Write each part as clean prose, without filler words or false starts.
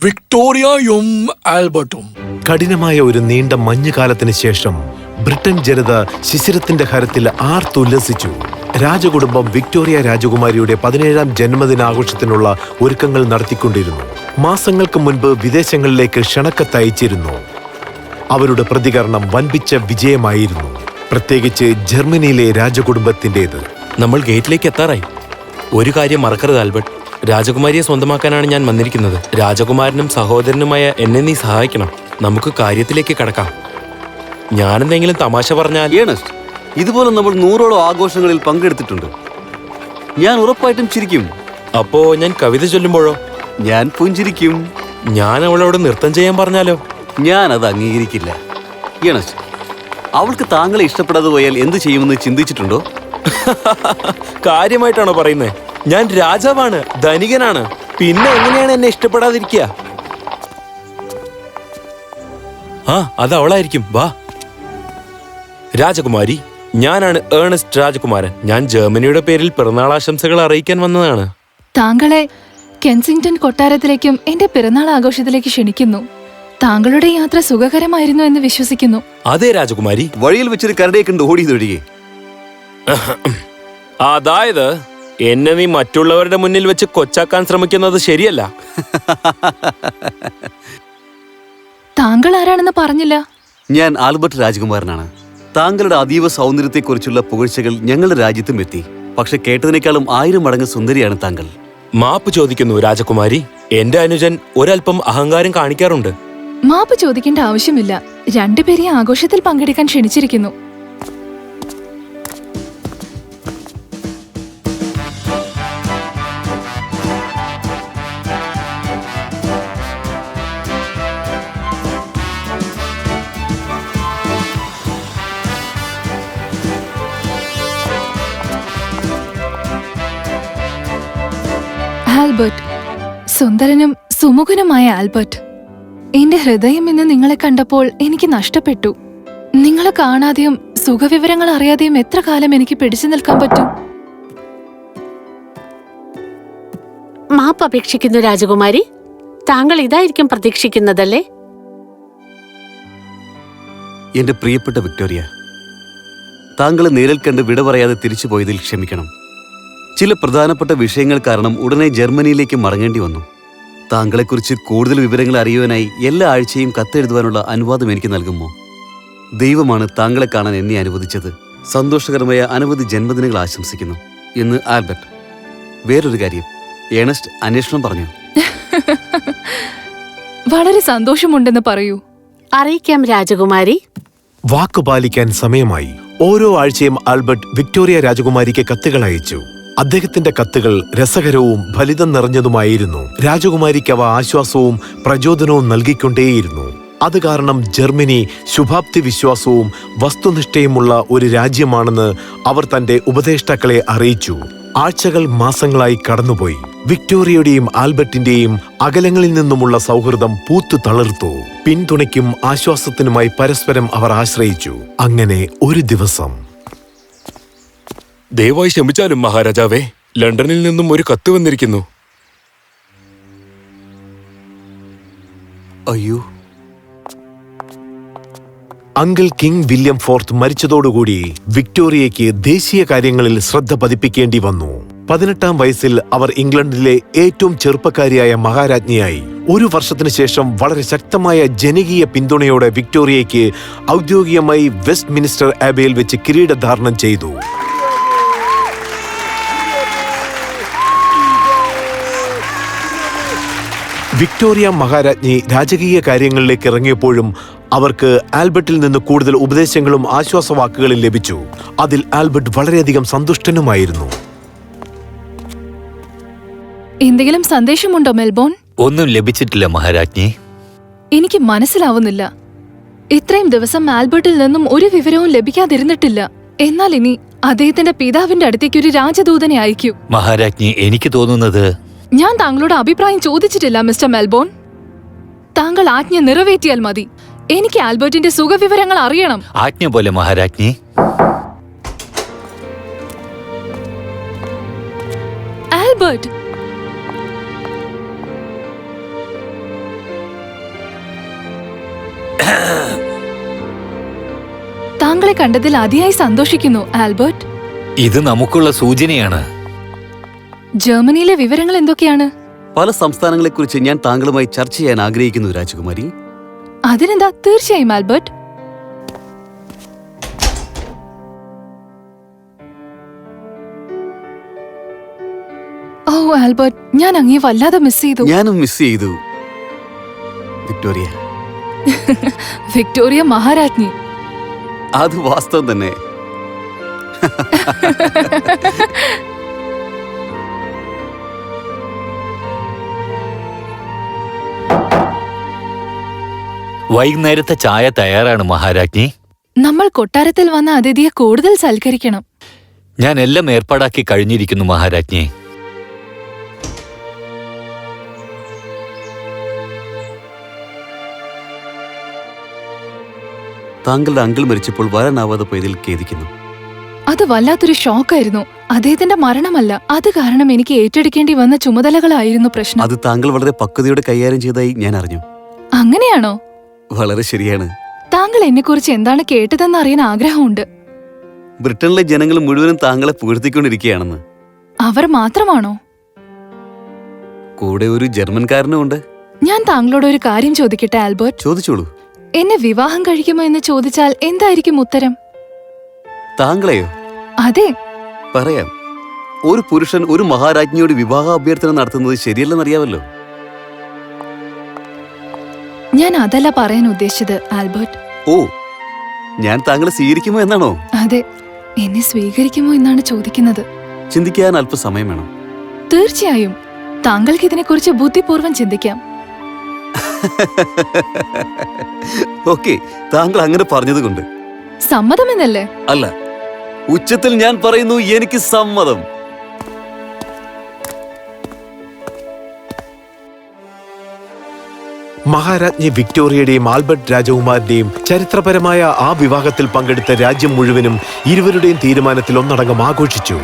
വിക്ടോറിയയും ആൽബർട്ടും. കഠിനമായ ഒരു നീണ്ട മഞ്ഞുകാലത്തിന് ശേഷം ബ്രിട്ടൻ ജനത ശിശിരത്തിന്റെ ഹരത്തിൽ ആർത്തുല്ലസിച്ചു. രാജകുടുംബം വിക്ടോറിയ രാജകുമാരിയുടെ 17ാം ജന്മദിനാഘോഷത്തിനുള്ള ഒരുക്കങ്ങൾ നടത്തിക്കൊണ്ടിരുന്നു. മാസങ്ങൾക്ക് മുൻപ് വിദേശങ്ങളിലേക്ക് ക്ഷണക്കത്ത് അയച്ചിരുന്നു. അവരുടെ പ്രതികരണം വൻപിച്ച വിജയമായിരുന്നു, പ്രത്യേകിച്ച് ജർമ്മനിയിലെ രാജകുടുംബത്തിൻ്റെത്. നമ്മൾ ഗേറ്റിലേക്ക് എത്താറായി. ഒരു കാര്യം മറക്കരുത് ആൽബർട്ട്, രാജകുമാരിയെ സ്വന്തമാക്കാനാണ് ഞാൻ വന്നിരിക്കുന്നത്. രാജകുമാരനും സഹോദരനുമായ എന്നെ നീ സഹായിക്കണം. നമുക്ക് കാര്യത്തിലേക്ക് കടക്കാം. ഞാനെന്തെങ്കിലും തമാശ പറഞ്ഞാൽ... ഏണസ്റ്റ്, ഇതുപോലെ നമ്മൾ 100ഓളം ആഘോഷങ്ങളിൽ പങ്കെടുത്തിട്ടുണ്ട്. ഞാൻ ഉറപ്പായിട്ടും ചിരിക്കും. അപ്പോ ഞാൻ കവിത ചൊല്ലുമ്പോഴോ? ഞാൻ പുഞ്ചിരിക്കും. ഞാൻ അവളോട് നൃത്തം ചെയ്യാൻ പറഞ്ഞാലോ? ഞാൻ അത് അംഗീകരിക്കില്ല. ഏണസ്റ്റ്, അവൾക്ക് താങ്കളെ ഇഷ്ടപ്പെടാതെ പോയാൽ എന്ത് ചെയ്യുമെന്ന് ചിന്തിച്ചിട്ടുണ്ടോ? കാര്യമായിട്ടാണോ പറയുന്നത്? ഞാൻ രാജാവാണ്, ധനികനാണ്. പിന്നെ എങ്ങനെയാണ് എന്നെ ഇഷ്ടപ്പെടാതിരിക്കുക? അത് അവളായിരിക്കും. വാ. രാജകുമാരി, ഞാനാണ് ഏണസ്റ്റ് രാജകുമാരൻ. ഞാൻ ജർമ്മനിയുടെ പേരിൽ പിറന്നാളാശംസകൾ അറിയിക്കാൻ വന്നതാണ്. താങ്കളെ കെൻസിംഗ്ടൺ കൊട്ടാരത്തിലേക്കും എന്റെ പിറന്നാൾ ആഘോഷത്തിലേക്ക് ക്ഷണിക്കുന്നു. താങ്കളുടെ യാത്ര സുഖകരമായിരുന്നു എന്ന് വിശ്വസിക്കുന്നു. അതെ രാജകുമാരി. വഴിയിൽ വെച്ചൊരു കരടിയെ കണ്ട് ഓടിയതൊഴികെ. അതായത് എന്നെ നീ മറ്റുള്ളവരുടെ മുന്നിൽ വെച്ച് കൊച്ചാക്കാൻ ശ്രമിക്കുന്നത് ശരിയല്ല. താങ്കൾ ആരാണെന്ന് പറഞ്ഞില്ല. ഞാൻ ആൽബർട്ട് രാജകുമാരനാണ്. താങ്കളുടെ അതീവ സൗന്ദര്യത്തെക്കുറിച്ചുള്ള പുകഴ്ചകൾ ഞങ്ങളുടെ രാജ്യത്തും എത്തി. പക്ഷെ കേട്ടതിനേക്കാളും 1000 മടങ്ങ് സുന്ദരിയാണ് താങ്കൾ. മാപ്പ് ചോദിക്കുന്നു രാജകുമാരി. എന്റെ അനുജൻ ഒരൽപ്പം അഹങ്കാരം കാണിക്കാറുണ്ട്. മാപ്പ് ചോദിക്കേണ്ട ആവശ്യമില്ല. രണ്ടുപേരെയും ആഘോഷത്തിൽ പങ്കെടുക്കാൻ ക്ഷണിച്ചിരിക്കുന്നു. ആൽബർട്ട്, സുന്ദരനും സുമുഖനുമായ ആൽബർട്ട്, എന്റെ ഹൃദയം ഇന്ന് നിങ്ങളെ കണ്ടപ്പോൾ എനിക്ക് നഷ്ടപ്പെട്ടു. നിങ്ങളെ കാണാതെയും സുഖവിവരങ്ങൾ അറിയാതെയും എത്ര കാലം എനിക്ക് പിടിച്ചു നിൽക്കാൻ പറ്റും? മാപ്പ് അപേക്ഷിക്കുന്നു രാജകുമാരി. താങ്കൾ ഇതായിരിക്കും പ്രതീക്ഷിക്കുന്നതല്ലേ? എന്റെ പ്രിയപ്പെട്ട വിക്ടോറിയ, താങ്കളെ നേരിൽ കണ്ട് വിട പറയാതെ തിരിച്ചു പോയതിൽ ക്ഷമിക്കണം. ചില പ്രധാനപ്പെട്ട വിഷയങ്ങൾ കാരണം ഉടനെ ജർമ്മനിയിലേക്ക് മടങ്ങേണ്ടി വന്നു. താങ്കളെക്കുറിച്ച് കൂടുതൽ വിവരങ്ങൾ അറിയുവാനായി എല്ലാ ആഴ്ചയും കത്തെഴുതുവാനുള്ള അനുവാദം എനിക്ക് നൽകുമോ? ദൈവമാണ് താങ്കളെ കാണാൻ എന്നെ അനുവദിച്ചത്. സന്തോഷകരമായ അനവധി ജന്മദിനങ്ങൾ ആശംസിക്കുന്നു. എന്ന് ആൽബർട്ട്. വേറൊരു കാര്യം, ഏണസ്റ്റ് അന്വേഷണം പറഞ്ഞു. വളരെ സന്തോഷമുണ്ടെന്ന് പറയൂ. അറിയിക്കാം രാജകുമാരി. വാക്കു പാലിക്കാൻ സമയമായി. ഓരോ ആഴ്ചയും ആൽബർട്ട് വിക്ടോറിയ രാജകുമാരിക്ക് കത്തുകൾ അയച്ചു. അദ്ദേഹത്തിന്റെ കത്തുകൾ രസകരവും ഫലിതം നിറഞ്ഞതുമായിരുന്നു. രാജകുമാരിക്ക് അവ ആശ്വാസവും പ്രചോദനവും നൽകിക്കൊണ്ടേയിരുന്നു. അത് കാരണം ജർമ്മനി ശുഭാപ്തി വിശ്വാസവും വസ്തുനിഷ്ഠയുമുള്ള ഒരു രാജ്യമാണെന്ന് അവർ തന്റെ ഉപദേഷ്ടാക്കളെ അറിയിച്ചു. ആഴ്ചകൾ മാസങ്ങളായി കടന്നുപോയി. വിക്ടോറിയയുടെയും ആൽബർട്ടിന്റെയും അകലങ്ങളിൽ നിന്നുമുള്ള സൗഹൃദം പൂത്തു തളിർത്തു. പിന്തുണയ്ക്കും ആശ്വാസത്തിനുമായി പരസ്പരം അവർ ആശ്രയിച്ചു. അങ്ങനെ ഒരു ദിവസം... ദയവായി ക്ഷമിച്ചാലും മഹാരാജാവേ, ലണ്ടനിൽ നിന്നും ഒരു കത്ത് വന്നിരിക്കുന്നു. അയ്യോ. അങ്കിൾ കിങ് വില്യം ഫോർത്ത് മരിച്ചതോടുകൂടി വിക്ടോറിയയ്ക്ക് ദേശീയ കാര്യങ്ങളിൽ ശ്രദ്ധ പതിപ്പിക്കേണ്ടി വന്നു. 18ാം വയസ്സിൽ അവർ ഇംഗ്ലണ്ടിലെ ഏറ്റവും ചെറുപ്പക്കാരിയായ മഹാരാജ്ഞിയായി. ഒരു വർഷത്തിനു ശേഷം വളരെ ശക്തമായ ജനകീയ പിന്തുണയോടെ വിക്ടോറിയയ്ക്ക് ഔദ്യോഗികമായി വെസ്റ്റ് മിനിസ്റ്റർ ആബയിൽ വെച്ച് കിരീടധാരണം ചെയ്തു. വിക്ടോറിയ മഹാരാജ്ഞി രാജകീയ കാര്യങ്ങളിലേക്ക് ഇറങ്ങിയപ്പോഴും അവർക്ക് ആൽബർട്ടിൽ നിന്ന് കൂടുതൽ ഉപദേശങ്ങളും ആശ്വാസവാക്കുകളും ലഭിച്ചു. അതിൽ ആൽബർട്ട് വളരെയധികം സന്തുഷ്ടനുമായിരുന്നു. എന്തെങ്കിലും സന്ദേശമുണ്ടോ മെൽബോൺ? ഒന്നും ലഭിച്ചിട്ടില്ല മഹാരാജ്ഞി. എനിക്ക് മനസ്സിലാവുന്നില്ല. ഇത്രയും ദിവസം ആൽബർട്ടിൽ നിന്നും ഒരു വിവരവും ലഭിക്കാതിരുന്നിട്ടില്ല. എന്നാൽ ഇനി അദ്ദേഹത്തിന്റെ പിതാവിന്റെ അടുത്തേക്ക് ഒരു രാജദൂതനെ അയക്കൂ. മഹാരാജ്ഞി, എനിക്ക് തോന്നുന്നത്... ഞാൻ താങ്കളുടെ അഭിപ്രായം ചോദിച്ചിട്ടില്ല മിസ്റ്റർ മെൽബോൺ. താങ്കൾ ആജ്ഞ നിറവേറ്റിയാൽ മതി. എനിക്ക് ആൽബർട്ടിന്റെ സുഖവിവരങ്ങൾ അറിയണം. ആജ്ഞ പോലെ മഹാരാജ്ഞി. ആൽബർട്ട്, താങ്കളെ കണ്ടതിൽ അതിയായി സന്തോഷിക്കുന്നു ആൽബർട്ട്. ഇത് നമുക്കുള്ള സൂചനയാണ്. ജർമ്മനിയിലെ വിവരങ്ങൾ എന്തൊക്കെയാണ്? പല സംസ്ഥാനങ്ങളെക്കുറിച്ച് ഞാൻ താങ്കളുമായി ചർച്ച ചെയ്യാൻ ആഗ്രഹിക്കുന്നു രാജകുമാരി. അതിനെന്താ, തീർച്ചയായും ആൽബർട്ട്. ഓ ആൽബർട്ട്, ഞാൻ അങ്ങേ വല്ലാതെ മിസ് ചെയ്തു. ഞാനും മിസ് ചെയ്തു വിക്ടോറിയ. വിക്ടോറിയ മഹാരാജ്ഞി. അത് വാസ്തവം തന്നെ. വൈകുന്നേരത്തെ ചായ തയ്യാറാണ് മഹാരാജ്ഞി. നമ്മൾ കൊട്ടാരത്തിൽ വന്ന അതിഥിയെ കൂടുതൽ സൽക്കരിക്കണം. ഞാൻ എല്ലാം ഏർപ്പാടാക്കി കഴിഞ്ഞിരിക്കുന്നു മഹാരാജ്ഞി. താങ്കളുടെ അങ്കിൾ മരിച്ചപ്പോൾ വരാനാവാതെ പോയതിൽ ഖേദിക്കുന്നു. അത് വല്ലാത്തൊരു ഷോക്കായിരുന്നു. അദ്ദേഹത്തിന്റെ മരണമല്ല, അത് കാരണം എനിക്ക് ഏറ്റെടുക്കേണ്ടി വന്ന ചുമതലകളായിരുന്നു പ്രശ്നം. അത് താങ്കൾ വളരെ പക്വതയോടെ കൈകാര്യം ചെയ്തതായി ഞാൻ അറിഞ്ഞു. അങ്ങനെയാണോ? വളരെ ശരിയാണ്. താങ്കൾ എന്നെക്കുറിച്ച് എന്താണ് കേട്ടതെന്ന് അറിയാൻ ആഗ്രഹമുണ്ട്. ബ്രിട്ടനിലെ ജനങ്ങൾ മുഴുവനും താങ്കളെ പുകഴ്ത്തിക്കൊണ്ടിരിക്കുകയാണെന്ന്. അവർ മാത്രമാണോ? കൂടെ ഒരു ജർമ്മൻകാരനും ഉണ്ട്. ഞാൻ താങ്കളോട് ഒരു കാര്യം ചോദിക്കട്ടെ ആൽബർട്ട്? ചോദിച്ചോളൂ. എന്നെ വിവാഹം കഴിക്കുമോ എന്ന് ചോദിച്ചാൽ എന്തായിരിക്കും ഉത്തരം? താങ്കളെയോ? അതെ. പറയാം. ഒരു പുരുഷൻ ഒരു മഹാരാജ്ഞിയോട് വിവാഹ അഭ്യർത്ഥന നടത്തുന്നത് ശരിയല്ലെന്നറിയാമല്ലോ. ഞാൻ അതല്ല പറയാൻ ഉദ്ദേശിച്ചത് ആൽബർട്ട്. ഓ, ഞാൻ താങ്കളെ സ്വീകരിക്കുമോ എന്നാണോ? അതെ, എന്നെ സ്വീകരിക്കുമോ എന്നാണ് ചോദിക്കുന്നത്. ചിന്തിക്കാൻ അല്പസമയം വേണം. തീർച്ചയായും താങ്കൾക്ക് ഇതിനെക്കുറിച്ച് ബുദ്ധിപൂർവ്വം ചിന്തിക്കാം. ഓക്കെ, താങ്കൾ അങ്ങനെ പറഞ്ഞതുകൊണ്ട്. സമ്മതമെന്നല്ലേ? അല്ല, ഉച്ചത്തിൽ ഞാൻ പറയുന്നു, എനിക്ക് സമ്മതം. മഹാരാജ്ഞി വിക്ടോറിയയുടെയും ആൽബർട്ട് രാജകുമാരന്റെയും ചരിത്രപരമായ ആ വിവാഹത്തിൽ പങ്കെടുത്ത രാജ്യം മുഴുവനും ഇരുവരുടെയും തീരുമാനത്തിൽ ഒന്നടങ്കം ആഘോഷിച്ചു.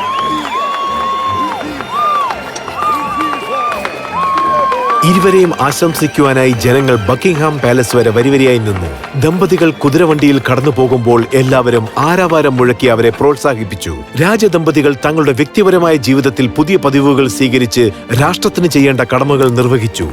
ഇരുവരെയും ആശംസിക്കുവാനായി ജനങ്ങൾ ബക്കിംഗ്ഹാം പാലസ് വരെ വരിവരിയായി നിന്നു. ദമ്പതികൾ കുതിരവണ്ടിയിൽ കടന്നു പോകുമ്പോൾ എല്ലാവരും ആരവാരം മുഴക്കി അവരെ പ്രോത്സാഹിപ്പിച്ചു. രാജദമ്പതികൾ തങ്ങളുടെ വ്യക്തിപരമായ ജീവിതത്തിൽ പുതിയ പതിവുകൾ സ്വീകരിച്ച് രാഷ്ട്രത്തിന് ചെയ്യേണ്ട കടമകൾ നിർവഹിച്ചു.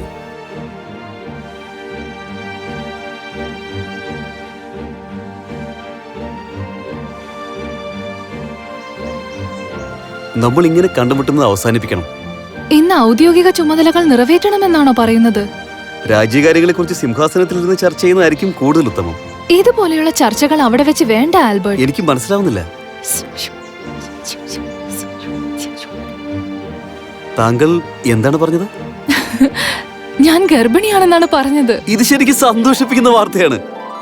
നമ്മൾ ഇങ്ങനെ കണ്ടുമുട്ടുന്നത് അവസാനിപ്പിക്കണം. ഇന്ന് ഔദ്യോഗിക ചുമതലകൾ നിറവേറ്റണമെന്നാണോ പറയുന്നത്? രാജ്യകാര്യങ്ങളെക്കുറിച്ച് സിംഹാസനത്തിൽ ഇരുന്ന് ചർച്ച ചെയ്യുന്നതായിരിക്കും കൂടുതൽ ഉത്തമം. ഇതുപോലെയുള്ള ചർച്ചകൾ അവിടെ വെച്ച് വേണ്ട ആൽബർട്ട്. എനിക്ക് മനസ്സിലാവുന്നില്ല. താങ്കൾ എന്താണ് പറഞ്ഞത്? ഞാൻ ഗർഭിണിയാണെന്നാണ് പറഞ്ഞത്. ഇത് ശരിക്കും സന്തോഷിപ്പിക്കുന്ന വാർത്തയാണ്.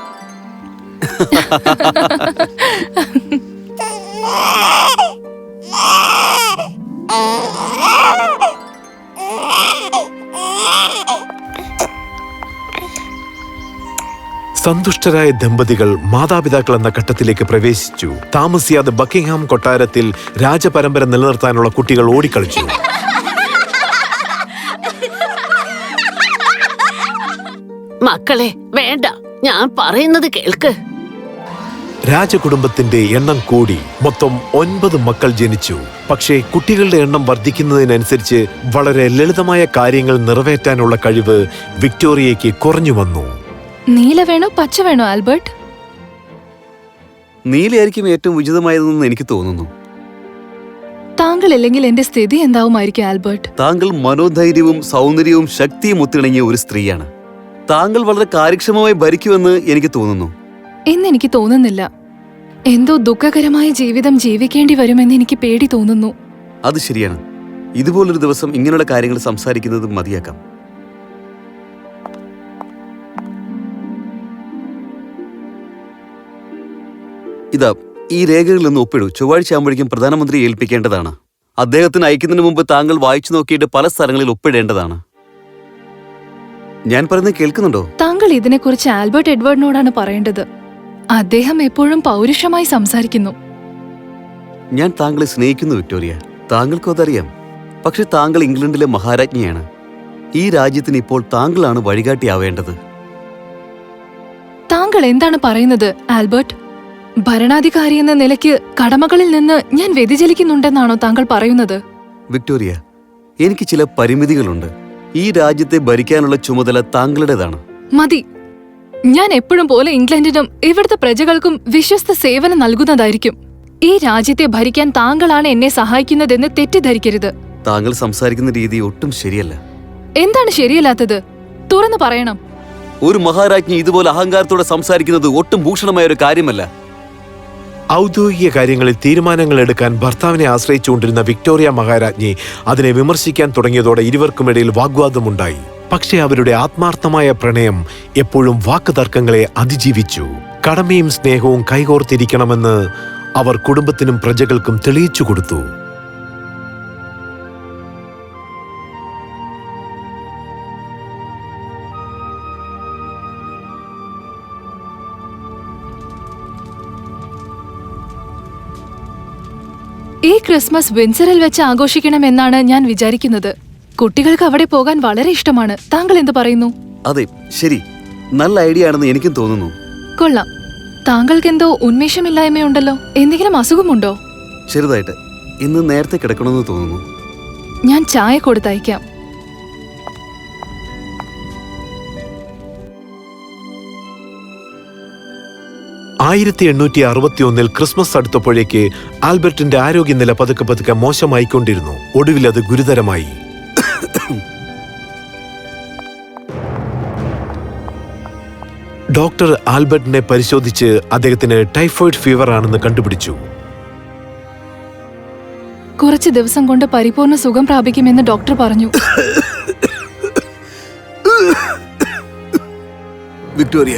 സന്തുഷ്ടരായ ദമ്പതികൾ മാതാപിതാക്കൾ എന്ന ഘട്ടത്തിലേക്ക് പ്രവേശിച്ചു. താമസിയാതെ ബക്കിംഗ്ഹാം കൊട്ടാരത്തിൽ രാജപരമ്പര നിലനിർത്താനുള്ള കുട്ടികൾ ഓടിക്കളിച്ചു. മക്കളെ വേണ്ട, ഞാൻ പറയുന്നത് കേൾക്ക്. രാജകുടുംബത്തിന്റെ എണ്ണം കൂടി. മൊത്തം 9 മക്കൾ ജനിച്ചു. പക്ഷേ കുട്ടികളുടെ എണ്ണം വർദ്ധിക്കുന്നതിനനുസരിച്ച് വളരെ ലളിതമായ കാര്യങ്ങൾ നിറവേറ്റാനുള്ള കഴിവ് വിക്ടോറിയയ്ക്ക് കുറഞ്ഞു വന്നു. നീല വേണോ പച്ച വേണോ ആൽബർട്ട്? നീലയായിരിക്കും ഏറ്റവും ഉചിതമായതെന്ന് എനിക്ക് തോന്നുന്നു. താങ്കൾ ഇല്ലെങ്കിൽ എന്റെ സ്ഥിതി എന്താവുമായിരിക്കും ആൽബർട്ട്? താങ്കൾ മനോധൈര്യവും സൗന്ദര്യവും ശക്തിയും ഒത്തിണങ്ങിയ ഒരു സ്ത്രീയാണ്. താങ്കൾ വളരെ കാര്യക്ഷമമായി ഭരിക്കുമെന്ന് എനിക്ക് തോന്നുന്നു. എന്നെനിക്ക് തോന്നുന്നില്ല. എന്തോ ദുഃഖകരമായ ജീവിതം ജീവിക്കേണ്ടി വരുമെന്ന് എനിക്ക് പേടി തോന്നുന്നു. അത് ശരിയാണ്. ഇതുപോലൊരു ദിവസം ഇങ്ങനെയുള്ള കാര്യങ്ങൾ സംസാരിക്കുന്നത് മതിയാക്കാം. ഇതാ, ഈ രേഖകളിൽ നിന്ന് ഒപ്പിടൂ. ചൊവ്വാഴ്ച ആകുമ്പോഴേക്കും പ്രധാനമന്ത്രി ഏൽപ്പിക്കേണ്ടതാണ്. അദ്ദേഹത്തിന് അയക്കുന്നതിന് മുമ്പ് താങ്കൾ വായിച്ചു നോക്കിയിട്ട് പല സ്ഥലങ്ങളിൽ ഒപ്പിടേണ്ടതാണ്. ഞാൻ പറയുന്നത് കേൾക്കുന്നുണ്ടോ? താങ്കൾ ഇതിനെക്കുറിച്ച് ആൽബർട്ട് എഡ്വേർഡിനോടാണ് പറയേണ്ടത്. അദ്ദേഹം എപ്പോഴും പൗരുഷമായി സംസാരിക്കുന്നു. ഞാൻ താങ്കളെ സ്നേഹിക്കുന്നു വിക്ടോറിയ. താങ്കൾക്കും അതറിയാം. പക്ഷെ താങ്കൾ ഇംഗ്ലണ്ടിലെ മഹാരാജ്ഞിയാണ്. ഈ രാജ്യത്തിന് ഇപ്പോൾ താങ്കളാണ് വഴികാട്ടിയാവേണ്ടത്. താങ്കൾ എന്താണ് പറയുന്നത് ആൽബർട്ട്? ഭരണാധികാരി എന്ന നിലയ്ക്ക് കടമകളിൽ നിന്ന് ഞാൻ വ്യതിചലിക്കുന്നുണ്ടെന്നാണോ താങ്കൾ പറയുന്നത്? വിക്ടോറിയ, എനിക്ക് ചില പരിമിതികളുണ്ട്. ഈ രാജ്യത്തെ ഭരിക്കാനുള്ള ചുമതല താങ്കളുടേതാണ്. മതി. ഞാൻ എപ്പോഴും പോലെ ഇംഗ്ലണ്ടിനും ഇവിടുത്തെ പ്രജകൾക്കും വിശ്വസ്ത സേവനം നൽകുന്നതായിരിക്കും. ഈ രാജ്യത്തെ ഭരിക്കാൻ താങ്കളാണ് എന്നെ സഹായിക്കുന്നതെന്ന് തെറ്റിദ്ധരിക്കരുത്. താങ്കൾ സംസാരിക്കുന്ന രീതി ഒട്ടും ശരിയല്ല. എന്താണ് ശരിയല്ലാത്തത്? തുറന്നു പറയണം. ഒരു മഹാരാജ്ഞി ഇതുപോലെ അഹങ്കാരത്തോടെ സംസാരിക്കുന്നത് ഒട്ടും ഭൂഷണമായ ഒരു കാര്യമല്ല. ഔദ്യോഗിക കാര്യങ്ങളിൽ തീരുമാനങ്ങൾ എടുക്കാൻ ഭർത്താവിനെ ആശ്രയിച്ചുകൊണ്ടിരുന്ന വിക്ടോറിയ മഹാരാജ്ഞി അതിനെ വിമർശിക്കാൻ തുടങ്ങിയതോടെ ഇരുവർക്കുമിടയിൽ വാഗ്വാദമുണ്ടായി. പക്ഷേ അവരുടെ ആത്മാർത്ഥമായ പ്രണയം എപ്പോഴും വാക്കുതർക്കങ്ങളെ അതിജീവിച്ചു. കടമയും സ്നേഹവും കൈകോർത്തിരിക്കണമെന്ന് അവർ കുടുംബത്തിനും പ്രജകൾക്കും തെളിയിച്ചു കൊടുത്തു. ഈ ക്രിസ്മസ് വിൻസറിൽ വെച്ച് ആഘോഷിക്കണമെന്നാണ് ഞാൻ വിചാരിക്കുന്നത്. കുട്ടികൾക്ക് അവിടെ പോകാൻ വളരെ ഇഷ്ടമാണ്. താങ്കൾ എന്ത് പറയുന്നു? അതെ, ശരി, നല്ല ഐഡിയ ആണെന്ന് എനിക്കും തോന്നുന്നു. കൊള്ളാം. താങ്കൾക്ക് എന്തോ ഉന്മേഷമില്ലായ്മയുണ്ടല്ലോ. എന്തെങ്കിലും അസുഖമുണ്ടോ? ചെറുതായിട്ട്. ഇന്ന് നേരത്തെ കിടക്കണമെന്ന് തോന്നുന്നു. ഞാൻ ചായ കൊടുത്തയക്കാം. ആയിരത്തി 1861 ക്രിസ്മസ് അടുത്തപ്പോഴേക്ക് ആൽബർട്ടിന്റെ ആരോഗ്യനില പതുക്കെ പതുക്കെ മോശമായിക്കൊണ്ടിരുന്നു. ഒടുവിൽ അത് ഗുരുതരമായി. ഡോക്ടർ ആൽബർട്ടിനെ പരിശോധിച്ച് അദ്ദേഹത്തിന് ടൈഫോയിഡ് ഫീവർ ആണെന്ന് കണ്ടുപിടിച്ചു. കുറച്ച് ദിവസം കൊണ്ട് പരിപൂർണ സുഖം പ്രാപിക്കുമെന്ന് ഡോക്ടർ പറഞ്ഞു. വിക്ടോറിയ,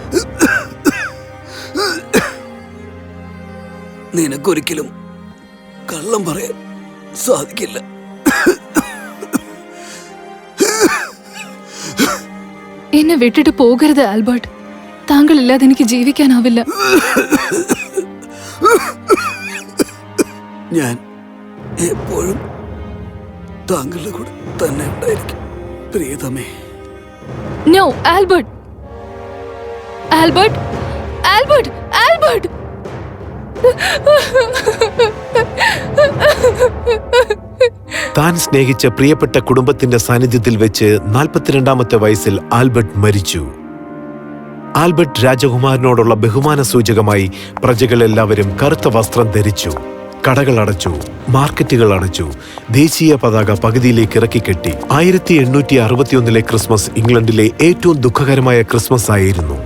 നിനക്കൊരിക്കലും കള്ളം പറയാൻ സാധിക്കില്ല. എന്നെ വിട്ടിട്ട് പോകരുത് ആൽബർട്ട്. താങ്കളില്ലാതെ എനിക്ക് ജീവിക്കാനാവില്ല. ഞാൻ എപ്പോഴും താങ്കളുടെ കൂടെ തന്നെ ഉണ്ടായിരിക്കും, പ്രിയതമേ. No Albert, Albert, Albert, Albert. താൻ സ്നേഹിച്ച പ്രിയപ്പെട്ട കുടുംബത്തിന്റെ സാന്നിധ്യത്തിൽ വെച്ച് 42-ാമത്തെ വയസ്സിൽ ആൽബർട്ട് മരിച്ചു. ആൽബർട്ട് രാജകുമാരനോടുള്ള ബഹുമാന സൂചകമായി പ്രജകളെല്ലാവരും കറുത്ത വസ്ത്രം ധരിച്ചു. കടകൾ അടച്ചു, മാർക്കറ്റുകൾ അടച്ചു, ദേശീയ പതാക പകുതിയിലേക്ക് ഇറക്കിക്കെട്ടി. 1861 ക്രിസ്മസ് ഇംഗ്ലണ്ടിലെ ഏറ്റവും ദുഃഖകരമായ ക്രിസ്മസ് ആയിരുന്നു.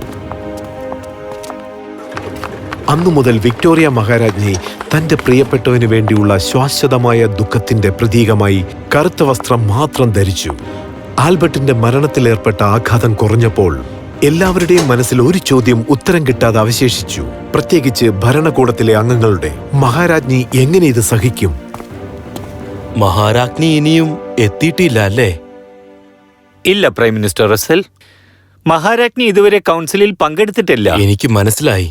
അന്നു മുതൽ വിക്ടോറിയ മഹാരാജ്ഞി തന്റെ പ്രിയപ്പെട്ടവന് വേണ്ടിയുള്ള ശാശ്വതമായ ദുഃഖത്തിന്റെ പ്രതീകമായി കറുത്ത വസ്ത്രം മാത്രം ധരിച്ചു. ആൽബർട്ടിന്റെ മരണത്തിലേർപ്പെട്ട ആഘാതം കുറഞ്ഞപ്പോൾ എല്ലാവരുടെയും മനസ്സിൽ ഒരു ചോദ്യം ഉത്തരം കിട്ടാതെ അവശേഷിച്ചു, പ്രത്യേകിച്ച് ഭരണകൂടത്തിലെ അംഗങ്ങളുടെ. മഹാരാജ്ഞി എങ്ങനെ ഇത് സഹിക്കും? മഹാരാജ്ഞി ഇനിയും എത്തിയിട്ടില്ല അല്ലേ? ഇല്ല പ്രൈം മിനിസ്റ്റർ റസൽ, മഹാരാജ്ഞി ഇതുവരെ കൗൺസിലിൽ പങ്കെടുത്തിട്ടില്ല. എനിക്ക് മനസ്സിലായി.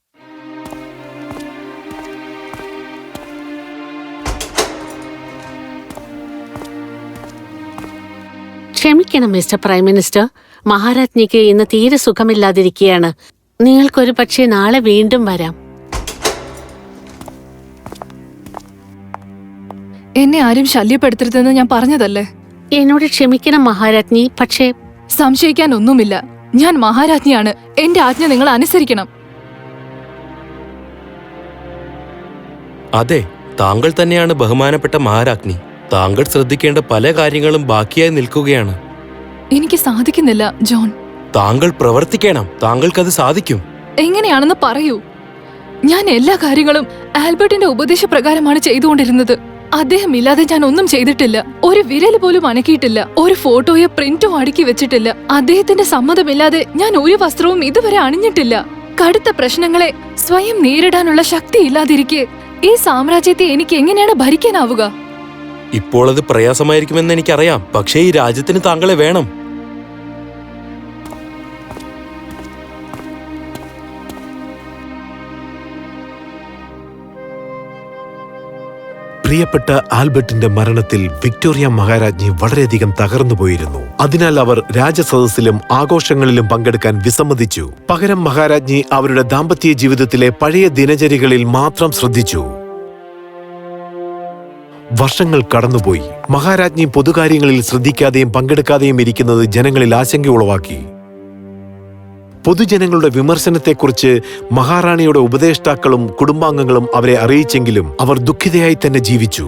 ക്ഷമിക്കണം മിസ്റ്റർ പ്രൈം മിനിസ്റ്റർ, മഹാരാജ്ഞിക്ക് ഇന്ന് തീരെ സുഖമില്ലാതിരിക്കുകയാണ്. നിങ്ങൾക്കൊരു പക്ഷേ നാളെ വീണ്ടും വരാം. എന്നെ ആരും ശല്യപ്പെടുത്തരുതെന്ന് ഞാൻ പറഞ്ഞതല്ലേ? എന്നോട് ക്ഷമിക്കണം മഹാരാജ്ഞി, പക്ഷേ സംശയിക്കാൻ ഒന്നുമില്ല. ഞാൻ മഹാരാജ്ഞിയാണ്. എന്റെ ആജ്ഞ നിങ്ങൾ അനുസരിക്കണം. അതെ, താങ്കൾ തന്നെയാണ് ബഹുമാനപ്പെട്ട മഹാരാജ്ഞി. താങ്കൾ ശ്രദ്ധിക്കേണ്ട പല കാര്യങ്ങളും ബാക്കിയായി നിൽക്കുകയാണ്. എനിക്ക് സാധിക്കുന്നില്ല ജോൺ. താങ്കൾ പ്രവർത്തിക്കണം. താങ്കൾക്കത് സാധിക്കും. എങ്ങനെയാണെന്ന് പറയൂ. ഞാൻ എല്ലാ കാര്യങ്ങളും ആൽബർട്ടിന്റെ ഉപദേശപ്രകാരമാണ് ചെയ്തുകൊണ്ടിരുന്നത്. അദ്ദേഹം ഇല്ലാതെ ഞാൻ ഒന്നും ചെയ്തിട്ടില്ല. ഒരു വിരല് പോലും അനക്കിയിട്ടില്ല. ഒരു ഫോട്ടോയോ പ്രിന്റോ അടുക്കി വെച്ചിട്ടില്ല. അദ്ദേഹത്തിന്റെ സമ്മതമില്ലാതെ ഞാൻ ഒരു വസ്ത്രവും ഇതുവരെ അണിഞ്ഞിട്ടില്ല. കടുത്ത പ്രശ്നങ്ങളെ സ്വയം നേരിടാനുള്ള ശക്തി ഇല്ലാതിരിക്കെ ഈ സാമ്രാജ്യത്തെ എനിക്ക് എങ്ങനെയാണ് ഭരിക്കാനാവുക? ഇപ്പോൾ അത് പ്രയാസമായിരിക്കുമെന്ന് എനിക്കറിയാം. പക്ഷേ ഈ രാജ്യത്തിന് താങ്കളെ വേണം. പ്രിയപ്പെട്ട ആൽബർട്ടിന്റെ മരണത്തിൽ വിക്ടോറിയ മഹാരാജ്ഞി വളരെയധികം തകർന്നുപോയിരുന്നു. അതിനാൽ അവർ രാജസദസ്സിലും ആഘോഷങ്ങളിലും പങ്കെടുക്കാൻ വിസമ്മതിച്ചു. പകരം മഹാരാജ്ഞി അവരുടെ ദാമ്പത്യ ജീവിതത്തിലെ പഴയ ദിനചര്യകളിൽ മാത്രം ശ്രദ്ധിച്ചു. വർഷങ്ങൾ കടന്നുപോയി. മഹാരാജ്ഞി പൊതുകാര്യങ്ങളിൽ ശ്രദ്ധിക്കാതെയും പങ്കെടുക്കാതെയും ഇരിക്കുന്നത് ജനങ്ങളിൽ ആശങ്ക ഉളവാക്കി. പൊതുജനങ്ങളുടെ വിമർശനത്തെക്കുറിച്ച് മഹാറാണിയുടെ ഉപദേഷ്ടാക്കളും കുടുംബാംഗങ്ങളും അവരെ അറിയിച്ചെങ്കിലും അവർ ദുഃഖിതയായി തന്നെ ജീവിച്ചു.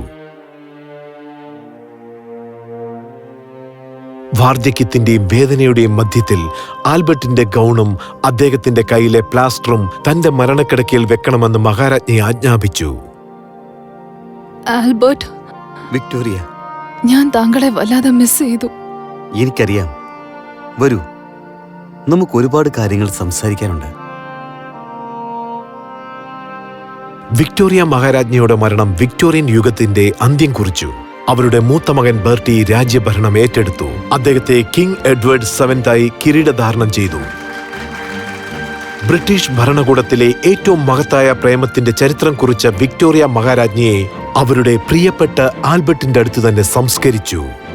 വാർദ്ധക്യത്തിന്റെയും വേദനയുടെയും മധ്യത്തിൽ ആൽബർട്ടിന്റെ ഗൗണും അദ്ദേഹത്തിന്റെ കയ്യിലെ പ്ലാസ്റ്ററും തന്റെ മരണക്കിടക്കയിൽ വെക്കണമെന്ന് മഹാരാജ്ഞി ആജ്ഞാപിച്ചു. ആൽബർട്ട്, വിക്ടോറിയ, ഞാൻ താങ്കളെ വല്ലാതെ മിസ് ചെയ്തു. എനിക്കറിയാം. വരൂ, നമുക്ക് ഒരുപാട് കാര്യങ്ങൾ സംസാരിക്കാനുണ്ട്. വിക്ടോറിയ മഹാരാജ്ഞിയുടെ മരണം വിക്ടോറിയൻ യുഗത്തിന്റെ അന്ത്യം കുറിച്ചു. അവരുടെ മൂത്ത മകൻ ബെർട്ടി രാജ്യഭരണം ഏറ്റെടുത്തു. അദ്ദേഹത്തെ കിങ് എഡ്വേർഡ് 7th കിരീടധാരണം ചെയ്തു. ബ്രിട്ടീഷ് ഭരണകൂടത്തിലെ ഏറ്റവും മഹത്തായ പ്രേമത്തിന്റെ ചരിത്രം കുറിച്ച വിക്ടോറിയ മഹാരാജ്ഞിയെ അവരുടെ പ്രിയപ്പെട്ട ആൽബർട്ടിന്റെ അടുത്ത് തന്നെ സംസ്കരിച്ചു.